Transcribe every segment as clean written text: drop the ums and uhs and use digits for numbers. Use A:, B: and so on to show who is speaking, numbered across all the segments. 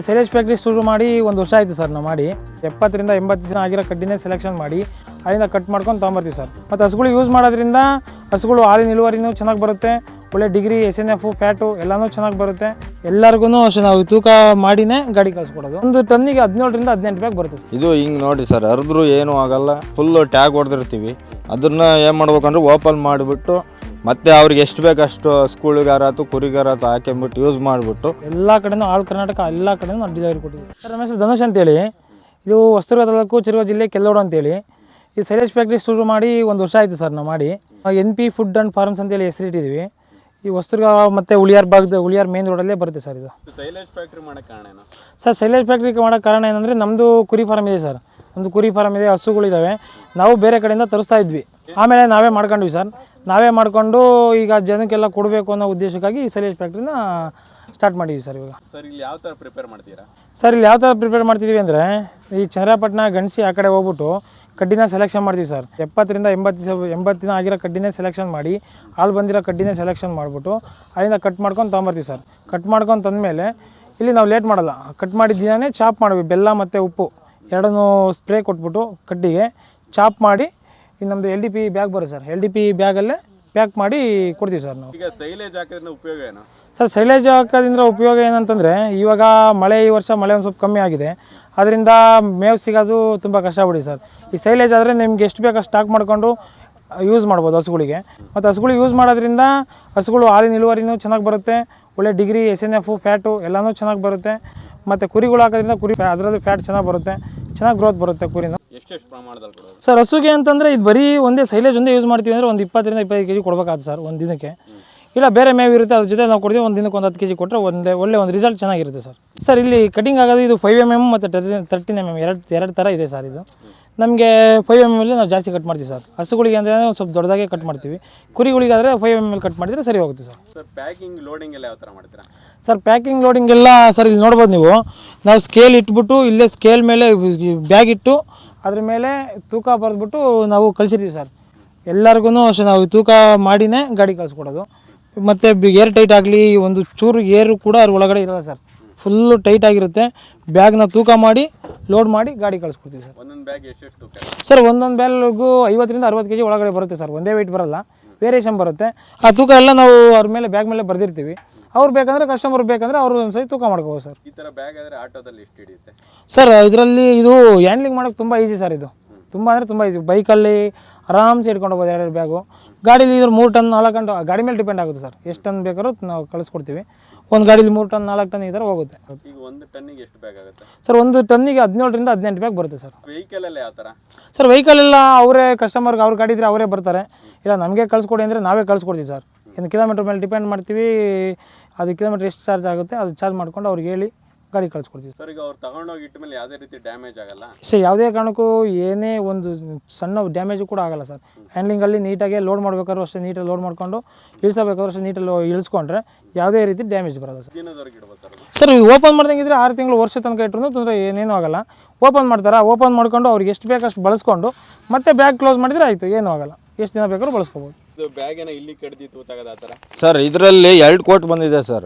A: Silage factory ಶುರು ಮಾಡಿ ಒಂದು ವರ್ಷ ಆಯಿತು ಸರ್ ನಾವು ಮಾಡಿ 70 ರಿಂದ 80 ಜನ ಆಗಿರೋ ಕಡ್ಡಿನೇ ಸೆಲೆಕ್ಷನ್ ಮಾಡಿ ಅಲ್ಲಿಂದ ಕಟ್ ಮಾಡ್ಕೊಂಡು ತೊಗೊಂಬರ್ತೀವಿ ಸರ್. ಮತ್ತು ಹಸುಗಳು ಯೂಸ್ ಮಾಡೋದ್ರಿಂದ ಹಸುಗಳು ಹಾಲಿನ ಇಳುವರಿನೂ ಚೆನ್ನಾಗಿ ಬರುತ್ತೆ, ಒಳ್ಳೆ ಡಿಗ್ರಿ SNF ಫ್ಯಾಟು ಎಲ್ಲನೂ ಚೆನ್ನಾಗಿ ಬರುತ್ತೆ. ಎಲ್ಲರಿಗೂ ಅಷ್ಟೇ ನಾವು ತೂಕ ಮಾಡಿನೇ ಗಾಡಿ ಕಳಿಸ್ಕೊಡೋದು. ಒಂದು ಟನ್ನಿಗೆ 17 ರಿಂದ 18 ಬ್ಯಾಗ್ ಬರುತ್ತೆ ಸರ್.
B: ಇದು ಹಿಂಗೆ ನೋಡಿ ಸರ್, ಹರಿದ್ರು ಏನೂ ಆಗಲ್ಲ, ಫುಲ್ ಟ್ಯಾಗ್ ಹೊಡೆದಿರ್ತೀವಿ. ಅದನ್ನು ಏನು ಮಾಡ್ಬೇಕಂದ್ರೆ ಓಪನ್ ಮಾಡಿಬಿಟ್ಟು ಮತ್ತೆ ಅವ್ರಿಗೆ ಎಷ್ಟು ಬೇಕಷ್ಟು ಸ್ಕೂಲಿಗಾರಾತು ಕುರಿಗಾರಾತು ಹಾಕೊಂಬಿಟ್ಟು ಯೂಸ್ ಮಾಡಿಬಿಟ್ಟು
A: ಎಲ್ಲ ಕಡೆನೂ ಆಲ್ ಕರ್ನಾಟಕ ಎಲ್ಲ ಕಡೆನೂ ನಾವು ಡೆಲಿವರಿ ಕೊಟ್ಟಿದ್ದೀವಿ ಸರ್. ನಮ್ಮ ಹೆಸರು ಧನುಷ್ ಅಂತೇಳಿ, ಇದು ಹೊಸದುರ್ಗ ತಾಲೂಕು ಚಿರಗ ಜಿಲ್ಲೆ ಕೆಲ್ಲೋಡು ಅಂತೇಳಿ. ಈ ಸೈಲೇಜ್ ಫ್ಯಾಕ್ಟ್ರಿ ಶುರು ಮಾಡಿ ಒಂದು ವರ್ಷ ಆಯಿತು ಸರ್ ನಾವು ಮಾಡಿ. NP ಫುಡ್ ಆ್ಯಂಡ್ ಫಾರ್ಮ್ಸ್ ಅಂತೇಳಿ ಹೆಸರಿಟ್ಟಿದ್ದೀವಿ. ಈ ಹೊಸದುರ್ಗ ಮತ್ತು ಉಳಿಯಾರ್ ಉಳಿಯಾರ್ ಮೇನ್ ರೋಡಲ್ಲೇ ಬರುತ್ತೆ ಸರ್. ಇದು
C: ಸೈಲೇಜ್ ಫ್ಯಾಕ್ಟ್ರಿ ಮಾಡೋಕ್ಕೆ ಕಾರಣ ಏನು
A: ಸರ್? ಸೈಲೇಜ್ ಫ್ಯಾಕ್ಟ್ರಿ ಮಾಡೋಕ್ಕೆ ಕಾರಣ ಏನಂದರೆ ನಮ್ಮದು ಕುರಿ ಫಾರ್ಮ್ ಇದೆ ಸರ್. ನಮ್ಮದು ಕುರಿ ಫಾರ್ಮ್ ಇದೆ, ಹಸುಗಳಿದ್ದಾವೆ. ನಾವು ಬೇರೆ ಕಡೆಯಿಂದ ತರಿಸ್ತಾ ಇದ್ವಿ, ಆಮೇಲೆ ನಾವೇ ಮಾಡ್ಕೊಂಡ್ವಿ ಸರ್. ನಾವೇ ಮಾಡಿಕೊಂಡು ಈಗ ಜನಕ್ಕೆಲ್ಲ ಕೊಡಬೇಕು ಅನ್ನೋ ಉದ್ದೇಶಕ್ಕಾಗಿ ಈ ಸೈಲೇಜ್ ಫ್ಯಾಕ್ಟ್ರಿನ ಸ್ಟಾರ್ಟ್ ಮಾಡಿದ್ವಿ ಸರ್. ಇವಾಗ
C: ಸರ್ ಇಲ್ಲಿ ಯಾವ ಥರ ಪ್ರಿಪೇರ್ ಮಾಡ್ತೀರಾ?
A: ಸರ್ ಇಲ್ಲಿ ಯಾವ ಥರ ಪ್ರಿಪೇರ್ ಮಾಡ್ತಿದ್ದೀವಿ ಅಂದರೆ, ಈ ಚನ್ನರಾಯಪಟ್ಟಣ ಗಣಸಿ ಆ ಕಡೆ ಹೋಗ್ಬಿಟ್ಟು ಕಡ್ಡಿನ ಸೆಲೆಕ್ಷನ್ ಮಾಡ್ತೀವಿ ಸರ್. 70 ರಿಂದ 80 ದಿನ ಆಗಿರೋ ಕಡ್ಡಿನೇ ಸೆಲೆಕ್ಷನ್ ಮಾಡಿ, ಹಾಲು ಬಂದಿರೋ ಕಡ್ಡಿನೇ ಸೆಲೆಕ್ಷನ್ ಮಾಡಿಬಿಟ್ಟು ಅಲ್ಲಿಂದ ಕಟ್ ಮಾಡ್ಕೊಂಡು ತೊಗೊಂಬರ್ತೀವಿ ಸರ್. ಕಟ್ ಮಾಡ್ಕೊಂಡು ತಂದಮೇಲೆ ಇಲ್ಲಿ ನಾವು ಲೇಟ್ ಮಾಡಲ್ಲ, ಕಟ್ ಮಾಡಿದ ದಿನವೇ ಚಾಪ್ ಮಾಡ್ತೀವಿ. ಬೆಲ್ಲ ಮತ್ತು ಉಪ್ಪು ಎರಡನ್ನೂ ಸ್ಪ್ರೇ ಕೊಟ್ಬಿಟ್ಟು ಕಡ್ಡಿಗೆ ಚಾಪ್ ಮಾಡಿ ನಮ್ಮದು LDP ಬ್ಯಾಗ್ ಬರುತ್ತೆ ಸರ್. LDP ಬ್ಯಾಗಲ್ಲೇ ಪ್ಯಾಕ್ ಮಾಡಿ ಕೊಡ್ತೀವಿ ಸರ್ ನಾವು.
C: ಈಗ ಸೈಲೇಜ್ ಹಾಕೋದ್ರಿಂದ ಉಪಯೋಗ ಏನು
A: ಸರ್? ಸೈಲೇಜ್ ಹಾಕೋದ್ರಿಂದ ಉಪಯೋಗ ಏನಂತಂದರೆ, ಇವಾಗ ಈ ವರ್ಷ ಮಳೆ ಒಂದು ಸ್ವಲ್ಪ ಕಮ್ಮಿ ಆಗಿದೆ, ಅದರಿಂದ ಮೇವು ಸಿಗೋದು ತುಂಬ ಕಷ್ಟ ಬಿಡಿ ಸರ್. ಈ ಸೈಲೇಜ್ ಆದರೆ ನಿಮ್ಗೆ ಎಷ್ಟು ಬೇಕು ಸ್ಟಾಕ್ ಮಾಡಿಕೊಂಡು ಯೂಸ್ ಮಾಡ್ಬೋದು ಹಸುಗಳಿಗೆ. ಮತ್ತು ಹಸುಗಳು ಯೂಸ್ ಮಾಡೋದ್ರಿಂದ ಹಸುಗಳು ಹಾಲಿನ ಇಳುವರಿನೂ ಚೆನ್ನಾಗಿ ಬರುತ್ತೆ, ಒಳ್ಳೆ ಡಿಗ್ರಿ SNF ಫ್ಯಾಟು ಎಲ್ಲನೂ ಚೆನ್ನಾಗಿ ಬರುತ್ತೆ. ಮತ್ತು ಕುರಿಗಳು ಹಾಕೋದ್ರಿಂದ ಅದರಲ್ಲಿ ಫ್ಯಾಟ್ ಚೆನ್ನಾಗಿ ಬರುತ್ತೆ, ಚೆನ್ನಾಗಿ ಗ್ರೋತ್ ಬರುತ್ತೆ ಕುರಿನೂ.
C: ಎಷ್ಟು ಪ್ರಮಾಣದಲ್ಲಿ ಕೊಡೋದು
A: ಸರ್? ಹಸುಗೆ ಅಂತಂದರೆ ಇದು ಬರೀ ಒಂದೇ ಸೈಲೇಜ್ ಒಂದೇ ಯೂಸ್ ಮಾಡ್ತೀವಿ ಅಂದರೆ ಒಂದು 20 ರಿಂದ 25 kg ಕೊಡಬೇಕಾಗುತ್ತೆ ಸರ್ ಒಂದು ದಿನಕ್ಕೆ. ಇಲ್ಲ ಬೇರೆ ಮೇವು ಇರುತ್ತೆ, ಅದ್ರ ಜೊತೆ ನಾವು ಕೊಡ್ತೀವಿ. ಒಂದು ದಿನಕ್ಕೆ ಒಂದು 10 kg ಕೊಟ್ಟರೆ ಒಳ್ಳೆ ಒಂದು ರಿಸಲ್ಟ್ ಚೆನ್ನಾಗಿರುತ್ತೆ ಸರ್. ಸರ್ ಇಲ್ಲಿ ಕಟಿಂಗ್ ಆಗೋದು ಇದು 5 mm ಮತ್ತು 13 mm ಎರಡು ಥರ ಇದೆ ಸರ್. ಇದು ನಮಗೆ 5 mm ನಾವು ಜಾಸ್ತಿ ಕಟ್ ಮಾಡ್ತೀವಿ ಸರ್. ಹಸುಗಳಿಗೆ ಅಂದರೆ ಒಂದು ಸ್ವಲ್ಪ ದೊಡ್ಡದಾಗೆ ಕಟ್ ಮಾಡ್ತೀವಿ. ಕುರಿಗಳಿಗಾದರೆ 5 mm ಕಟ್ ಮಾಡಿದರೆ ಸರಿ ಹೋಗುತ್ತೆ ಸರ್.
C: ಸರ್ ಪ್ಯಾಕಿಂಗ್ ಲೋಡಿಂಗ್ ಎಲ್ಲ ಯಾವ ಥರ ಮಾಡ್ತೀರಾ?
A: ಸರ್ ಪ್ಯಾಕಿಂಗ್ ಲೋಡಿಂಗ್ ಎಲ್ಲ ಸರ್ ಇಲ್ಲಿ ನೋಡ್ಬೋದು ನೀವು. ನಾವು ಸ್ಕೇಲ್ ಇಟ್ಬಿಟ್ಟು ಇಲ್ಲೇ ಸ್ಕೇಲ್ ಮೇಲೆ ಬ್ಯಾಗ್ ಇಟ್ಟು ಅದ್ರ ಮೇಲೆ ತೂಕ ಬರೆದ್ಬಿಟ್ಟು ನಾವು ಕಳಿಸಿರ್ತೀವಿ ಸರ್. ಎಲ್ಲರಿಗೂ ಅಷ್ಟೇ ನಾವು ತೂಕ ಮಾಡಿನೇ ಗಾಡಿ ಕಳಿಸ್ಕೊಡೋದು. ಮತ್ತು ಏರ್ ಟೈಟ್ ಆಗಲಿ ಒಂದು ಚೂರು ಏರು ಕೂಡ ಅದ್ರ ಒಳಗಡೆ ಇರೋಲ್ಲ ಸರ್. ಫುಲ್ಲು ಟೈಟ್ ಆಗಿರುತ್ತೆ. ಬ್ಯಾಗ್ನ ತೂಕ ಮಾಡಿ ಲೋಡ್ ಮಾಡಿ ಗಾಡಿ ಕಳಿಸ್ಕೊಡ್ತೀವಿ ಸರ್.
C: ಒಂದೊಂದು ಬ್ಯಾಗ್ ಎಷ್ಟು ತೂಕ
A: ಸರ್? ಒಂದೊಂದು ಬ್ಯಾಗ್ಗೂ 50 ರಿಂದ 60 kg ಒಳಗಡೆ ಬರುತ್ತೆ ಸರ್. ಒಂದೇ ವೆಯ್ಟ್ ಬರೋಲ್ಲ, ವೇರಿಯೇಷನ್ ಬರುತ್ತೆ. ಆ ತೂಕ ಎಲ್ಲ ನಾವು ಅವ್ರ ಮೇಲೆ ಬ್ಯಾಗ್ ಮೇಲೆ ಬರ್ದಿರ್ತೀವಿ. ಅವ್ರು ಬೇಕಂದರೆ ಕಸ್ಟಮರ್ ಬೇಕಂದರೆ ಅವರು ಒಂದು ಸರಿ ತೂಕ ಮಾಡ್ಕೋಬೋದು ಸರ್.
C: ಈ ಥರ ಬ್ಯಾಗ್ ಆದರೆ ಆಟೋದಲ್ಲಿ ಎಷ್ಟು ಹಿಡಿಯುತ್ತೆ
A: ಸರ್? ಇದರಲ್ಲಿ ಇದು ಹ್ಯಾಂಡ್ಲಿಂಗ್ ಮಾಡೋಕ್ಕೆ ತುಂಬ ಈಸಿ ಸರ್. ಇದು ತುಂಬ ಅಂದರೆ ತುಂಬ ಈಸಿ. ಬೈಕಲ್ಲಿ ಆರಾಮ್ಸೆ ಇಟ್ಕೊಂಡು ಹೋಗ್ಬೋದು 2 ಬ್ಯಾಗು. ಗಾಡೀಲಿ ಇದ್ರ 3 ಟನ್ 4 ಟನ್ ಗಾಡಿ ಮೇಲೆ ಡಿಪೆಂಡ್ ಆಗುತ್ತೆ ಸರ್. ಎಷ್ಟು ಟನ್ ಬೇಕಾದ್ರೂ ನಾವು ಕಳಿಸ್ಕೊಡ್ತೀವಿ. ಒಂದು ಗಾಡೀಲಿ 3 ಟನ್ 4 ಟನ್ ಈ ಥರ ಹೋಗುತ್ತೆ.
C: ಈಗ ಒಂದು ಟನ್ನಿಗೆ ಎಷ್ಟು ಬ್ಯಾಗ್ ಆಗುತ್ತೆ
A: ಸರ್? ಒಂದು ಟನ್ನಿಗೆ 17 ರಿಂದ 18 ಬ್ಯಾಗ್ ಬರುತ್ತೆ ಸರ್.
C: ವೆಹಿಕಲ್ ಎಲ್ಲ ಯಾವ ಥರ?
A: ಸರ್ ವೆಹಿಕಲ್ ಎಲ್ಲ ಅವರೇ ಕಸ್ಟಮರ್ಗೆ ಅವ್ರ ಗಾಡಿ ಇದ್ದರೆ ಅವರೇ ಬರ್ತಾರೆ, ಇಲ್ಲ ನಮಗೆ ಕಳಿಸ್ಕೊಡಿ ಅಂದರೆ ನಾವೇ ಕಳಿಸ್ಕೊಡ್ತೀವಿ ಸರ್. ಒಂದು ಕಿಲೋಮೀಟ್ರ್ ಮೇಲೆ ಡಿಪೆಂಡ್ ಮಾಡ್ತೀವಿ. ಅದು ಕಿಲೋಮೀಟ್ರ್ ಎಷ್ಟು ಚಾರ್ಜ್ ಆಗುತ್ತೆ ಅದು ಚಾರ್ಜ್ ಮಾಡ್ಕೊಂಡು ಅವ್ರಿಗೆ ಹೇಳಿ ಗಾಡಿ ಕಳಿಸ್ಕೊಡ್ತೀವಿ
C: ಸರ್. ಈಗ ಅವ್ರು ತಗೊಂಡೋಗಿ ಇಟ್ಟ ಮೇಲೆ ಯಾವುದೇ ರೀತಿ ಡ್ಯಾಮೇಜ್ ಆಗಲ್ಲ
A: ಸರ್? ಯಾವುದೇ ಕಾರಣಕ್ಕೂ ಏನೇ ಒಂದು ಸಣ್ಣ ಡ್ಯಾಮೇಜು ಕೂಡ ಆಗಲ್ಲ ಸರ್. ಹ್ಯಾಂಡ್ಲಿಂಗಲ್ಲಿ ನೀಟಾಗಿ ಲೋಡ್ ಮಾಡ್ಬೇಕಾದ್ರೂ ಅಷ್ಟೇ ನೀಟಾಗಿ ಲೋಡ್ ಮಾಡಿಕೊಂಡು ಇಳಿಸಬೇಕಾದ್ರೂ ಅಷ್ಟೇ ನೀಟಲ್ಲಿ ಇಳಿಸ್ಕೊಂಡ್ರೆ ಯಾವುದೇ ರೀತಿ ಡ್ಯಾಮೇಜ್ ಬರೋಲ್ಲ ಸರ್.
C: ದಿನದವರೆಗೆ ಇಡ್ಬೋದು ಸರ್?
A: ಸರ್ ಓಪನ್ ಮಾಡ್ದಂಗಿದ್ರೆ 6 ತಿಂಗಳು ವರ್ಷ ತನಕ ಇಟ್ಟರು ತೊಂದರೆ ಏನೇನೂ ಆಗಲ್ಲ. ಓಪನ್ ಮಾಡ್ತಾರೆ, ಓಪನ್ ಮಾಡ್ಕೊಂಡು ಅವ್ರಿಗೆ ಎಷ್ಟು ಬೇಕಷ್ಟು ಬಳಸ್ಕೊಂಡು ಮತ್ತೆ ಬ್ಯಾಗ್ ಕ್ಲೋಸ್ ಮಾಡಿದರೆ ಆಯಿತು, ಏನೂ ಆಗಲ್ಲ. ಎಷ್ಟು ದಿನ ಬೇಕಾದ್ರೂ ಬಳಸ್ಕೋಬೋದು.
C: ಇದು ಬ್ಯಾಗ್ ಏನೋ ಇಲ್ಲಿ ಕಡ್ದಿ ತೂತಾಗದ ಆ ಥರ?
B: ಸರ್ ಇದರಲ್ಲಿ 2 ಕೋಟ್ ಬಂದಿದೆ ಸರ್.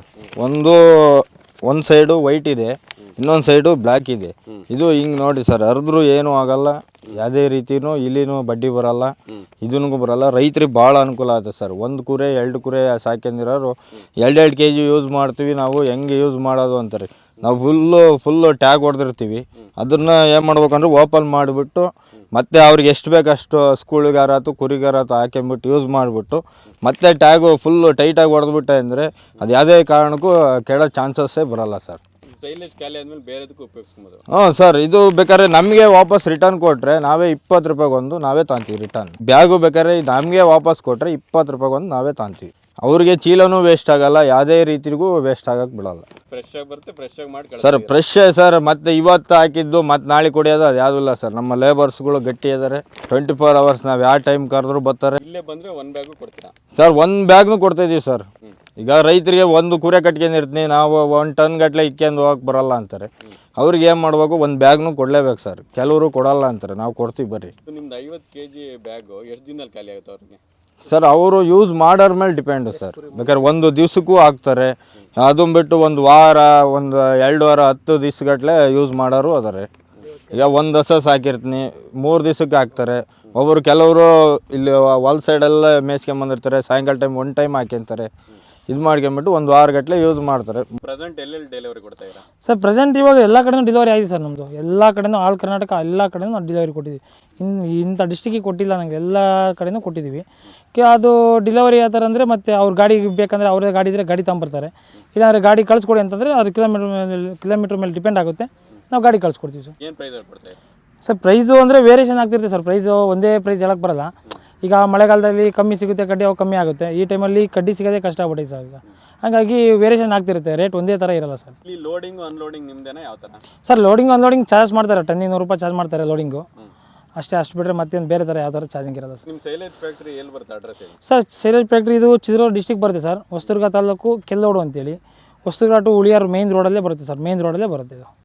B: ಒಂದು ಸೈಡು ವೈಟ್ ಇದೆ, ಇನ್ನೊಂದು ಸೈಡು ಬ್ಲ್ಯಾಕ್ ಇದೆ. ಇದು ಹಿಂಗೆ ನೋಡಿ ಸರ್, ಹರಿದ್ರು ಏನೂ ಆಗಲ್ಲ, ಯಾವುದೇ ರೀತಿಯೂ ಇಲ್ಲಿನೂ ಬಡ್ಡಿ ಬರಲ್ಲ, ಇದನ್ನೂ ಬರಲ್ಲ. ರೈತರಿಗೆ ಭಾಳ ಅನುಕೂಲ ಆಗುತ್ತೆ ಸರ್. 1 ಕುರಿ 2 ಕುರಿ ಸಾಕೊಂಡಿರೋರು 2 kg ಯೂಸ್ ಮಾಡ್ತೀವಿ ನಾವು, ಹೆಂಗೆ ಯೂಸ್ ಮಾಡೋದು ಅಂತಾರೆ. ನಾವು ಫುಲ್ಲು ಟ್ಯಾಗ್ ಹೊಡೆದಿರ್ತೀವಿ. ಅದನ್ನು ಏನು ಮಾಡ್ಬೇಕಂದ್ರೆ ಓಪನ್ ಮಾಡಿಬಿಟ್ಟು ಮತ್ತೆ ಅವ್ರಿಗೆ ಎಷ್ಟು ಬೇಕಷ್ಟು ಸ್ಕೂಲಿಗಾರಾತು ಕುರಿಗಾರಾತು ಹಾಕೊಂಬಿಟ್ಟು ಯೂಸ್ ಮಾಡಿಬಿಟ್ಟು ಮತ್ತೆ ಟ್ಯಾಗು ಫುಲ್ಲು ಟೈಟಾಗಿ ಹೊಡೆದ್ಬಿಟ್ಟೆ ಅಂದರೆ ಅದು ಯಾವುದೇ ಕಾರಣಕ್ಕೂ ಕೆಡೋ ಚಾನ್ಸಸ್ಸೇ ಬರೋಲ್ಲ ಸರ್.
C: ಸೈಲೇಜ್ ಖಾಲಿ ಆದಮೇಲೆ ಬೇರೆದಕ್ಕೂ ಉಪಯೋಗಿಸ್ಬೋದು?
B: ಹ್ಞೂ ಸರ್. ಇದು ಬೇಕಾದ್ರೆ ನಮಗೆ ವಾಪಸ್ ರಿಟರ್ನ್ ಕೊಟ್ಟರೆ ನಾವೇ 20 ರೂಪಾಯಿಗೊಂದು ನಾವೇ ತಾಂತೀವಿ ರಿಟರ್ನ್. ಬ್ಯಾಗು ಬೇಕಾದ್ರೆ ನಮಗೆ ವಾಪಸ್ ಕೊಟ್ಟರೆ 20 ರೂಪಾಯಿಗೊಂದು ನಾವೇ ತಾಂತೀವಿ. ಅವ್ರಿಗೆ ಚೀಲನೂ ವೇಸ್ಟ್ ಆಗಲ್ಲ, ಯಾವುದೇ ರೀತಿಗೂ ವೇಸ್ಟ್ ಆಗಕ್ಕೆ ಬಿಡಲ್ಲ.
C: ಫ್ರೆಶ್ ಆಗಿ ಬರುತ್ತೆ, ಫ್ರೆಶ್ ಆಗಿ ಮಾಡಿ
B: ಸರ್. Fresh sir. ಮತ್ತು ಇವತ್ತು ಹಾಕಿದ್ದು ಮತ್ತು ನಾಳೆ ಕುಡಿಯೋದು ಅದು ಯಾವುದೂ ಇಲ್ಲ ಸರ್. ನಮ್ಮ ಲೇಬರ್ಸ್ಗಳು ಗಟ್ಟಿ ಇದ್ದಾರೆ. 24 hours ನಾವು ಯಾವ ಟೈಮ್ ಕರೆದ್ರೂ ಬರ್ತಾರೆ.
C: ಇಲ್ಲೇ ಬಂದರೆ 1 ಬ್ಯಾಗು ಕೊಡ್ತೀರಾ
B: ಸರ್? 1 ಬ್ಯಾಗ್ನು ಕೊಡ್ತಾಯಿದ್ದೀವಿ ಸರ್. ಈಗ ರೈತರಿಗೆ 1 ಕುರಿ ಕಟ್ಕೊಂಡಿರ್ತೀನಿ ನಾವು, 1 ಟನ್ ಗಟ್ಟಲೆ ಇಕ್ಕೊಂಡು ಹೋಗಕ್ಕೆ ಬರಲ್ಲ ಅಂತಾರೆ. ಅವ್ರಿಗೆ ಏನು ಮಾಡಬೇಕು, 1 ಬ್ಯಾಗ್ನು ಕೊಡಲೇಬೇಕು ಸರ್. ಕೆಲವರು ಕೊಡಲ್ಲ ಅಂತಾರೆ, ನಾವು ಕೊಡ್ತೀವಿ ಬರ್ರಿ.
C: ನಿಮ್ದು 50 kg ಬ್ಯಾಗು ಎಷ್ಟು ದಿನದಲ್ಲಿ ಖಾಲಿ ಆಗುತ್ತೆ ಅವ್ರಿಗೆ?
B: ಸರ್ ಅವರು ಯೂಸ್ ಮಾಡೋರ ಮೇಲೆ ಡಿಪೆಂಡು ಸರ್. ಬೇಕಾದ್ರೆ ಒಂದು ದಿವ್ಸಕ್ಕೂ ಹಾಕ್ತಾರೆ, ಅದನ್ನ ಬಿಟ್ಟು ಒಂದು ವಾರ, ಒಂದು 2 ವಾರ, 10 ದಿವ್ಸಗಟ್ಟಲೆ ಯೂಸ್ ಮಾಡೋರು ಅದಾರೆ. ಈಗ ಒಂದು ಹಸ ಸಾಕಿರ್ತೀನಿ, 3 ದಿವ್ಸಕ್ಕೆ ಹಾಕ್ತಾರೆ. ಒಬ್ಬರು ಕೆಲವರು ಇಲ್ಲಿ ಹೊಲ ಸೈಡೆಲ್ಲ ಮೇಯ್ಸ್ಕೊಂಬಂದಿರ್ತಾರೆ, ಸಾಯಂಕಾಲ ಟೈಮ್ 1 ಟೈಮ್ ಹಾಕ್ಯಂತಾರೆ. ಇದು ಮಾಡ್ಕೊಂಬಿಟ್ಟು 1 ವಾರ ಗಟ್ಟಲೆ ಯೂಸ್ ಮಾಡ್ತಾರೆ.
C: ಪ್ರೆಸೆಂಟ್ ಎಲ್ಲೆಲ್ಲಿ ಡೆಲಿವರಿ ಕೊಡ್ತಾ ಇದ್ದೀರಾ?
A: ಸರ್ ಪ್ರೆಸೆಂಟ್ ಇವಾಗ ಎಲ್ಲ ಕಡೆನೂ ಡೆಲಿವರಿ ಆಗಿದೆ ಸರ್. ನಮ್ಮದು ಎಲ್ಲ ಕಡೆನೂ ಆಲ್ ಕರ್ನಾಟಕ ಎಲ್ಲ ಕಡೆನೂ ನಾವು ಡೆಲಿವರಿ ಕೊಟ್ಟಿದ್ದೀವಿ. ಇಂಥ ಡಿಸ್ಟಿಕ್ಕಿಗೆ ಕೊಟ್ಟಿಲ್ಲ, ನನಗೆ ಎಲ್ಲ ಕಡೆನೂ ಕೊಟ್ಟಿದ್ದೀವಿ. ಅದು ಡೆಲಿವರಿ ಯಾವ ಥರ ಅಂದರೆ ಮತ್ತೆ ಅವ್ರ ಗಾಡಿ ಬೇಕಂದರೆ ಅವರೇ ಗಾಡಿ ಇದ್ದರೆ ಗಾಡಿ ತಗೊಂಬರ್ತಾರೆ. ಇಲ್ಲಾಂದರೆ ಗಾಡಿ ಕಳಿಸ್ಕೊಡಿ ಅಂತಂದರೆ ಅದು ಕಿಲೋಮೀಟ್ರ್ ಮೇಲೆ ಡಿಪೆಂಡ್ ಆಗುತ್ತೆ, ನಾವು ಗಾಡಿ ಕಳಿಸ್ಕೊಡ್ತೀವಿ ಸರ್.
C: ಏನು ಪ್ರೈಸಲ್ಲಿ ಕೊಡ್ತಾ ಇದ್ದೀರಾ?
A: ಸರ್ ಪ್ರೈಸು ಅಂದರೆ ವೇರಿಯೇಷನ್ ಆಗ್ತಿರುತ್ತೆ ಸರ್. ಪ್ರೈಸು ಒಂದೇ ಪ್ರೈಸ್ ಹೇಳಕ್ಕೆ ಬರಲ್ಲ. ಈಗ ಮಳೆಗಾಲದಲ್ಲಿ ಕಮ್ಮಿ ಸಿಗುತ್ತೆ ಕಡ್ಡಿ, ಅವು ಕಮ್ಮಿ ಆಗುತ್ತೆ. ಈ ಟೈಮಲ್ಲಿ ಕಡ್ಡಿ ಸಿಗೋದೇ ಕಷ್ಟ ಆಗ್ಬಿಟ್ಟಿದೆ ಸರ್ ಈಗ. ಹಾಗಾಗಿ ವೇರಿಯೇಷನ್ ಆಗ್ತಿರುತ್ತೆ, ರೇಟ್ ಒಂದೇ ಥರ ಇರಲ್ಲ ಸರ್.
C: ಇಲ್ಲಿ ಲೋಡಿಂಗು ಅನ್ಲೋಡಿಂಗ್ ನಿಮ್ದೇನಾ ಯಾವ ಥರ?
A: ಸರ್ ಲೋಡಿಂಗ್ ಅನ್ಲೋಡಿಂಗ್ ಚಾರ್ಜ್ ಮಾಡ್ತಾರೆ, ಟನ್ನಿಗೆ 100 ರೂಪಾಯಿ ಚಾರ್ಜ್ ಮಾಡ್ತಾರೆ ಲೋಡಿಂಗು ಅಷ್ಟೇ. ಅಷ್ಟು ಬಿಟ್ಟರೆ ಮತ್ತೇನು ಬೇರೆ ಥರ ಯಾವ ಥರ ಚಾರ್ಜಿಂಗ್ ಇರಲ್ಲ ಸರ್.
C: ನಿಮ್ಮ ಸೈಲೇಜ್ ಫ್ಯಾಕ್ಟ್ರಿ ಎಲ್ಲಿ ಬರುತ್ತೆ ಅಡ್ರೆಸ್ ಹೇಳಿ?
A: ಸರ್ ಸೈಲೇಜ್ ಫ್ಯಾಕ್ಟ್ರಿ ಇದು ಚಿತ್ರದುರ್ಗ ಡಿಸ್ಟಿಕ್ ಬರುತ್ತೆ ಸರ್. ಹೊಸದುರ್ಗ ತಾಲೂಕು ಕೆಲ್ಲೋಡು ಅಂತೇಳಿ. ಹೊಸದುರ್ಗ ಟು ಉಳಿಯಾರು ಮೇನ್ ರೋಡಲ್ಲೇ ಬರುತ್ತೆ ಸರ್. ಮೇನ್ ರೋಡಲ್ಲೇ ಬರುತ್ತೆ ಇದು.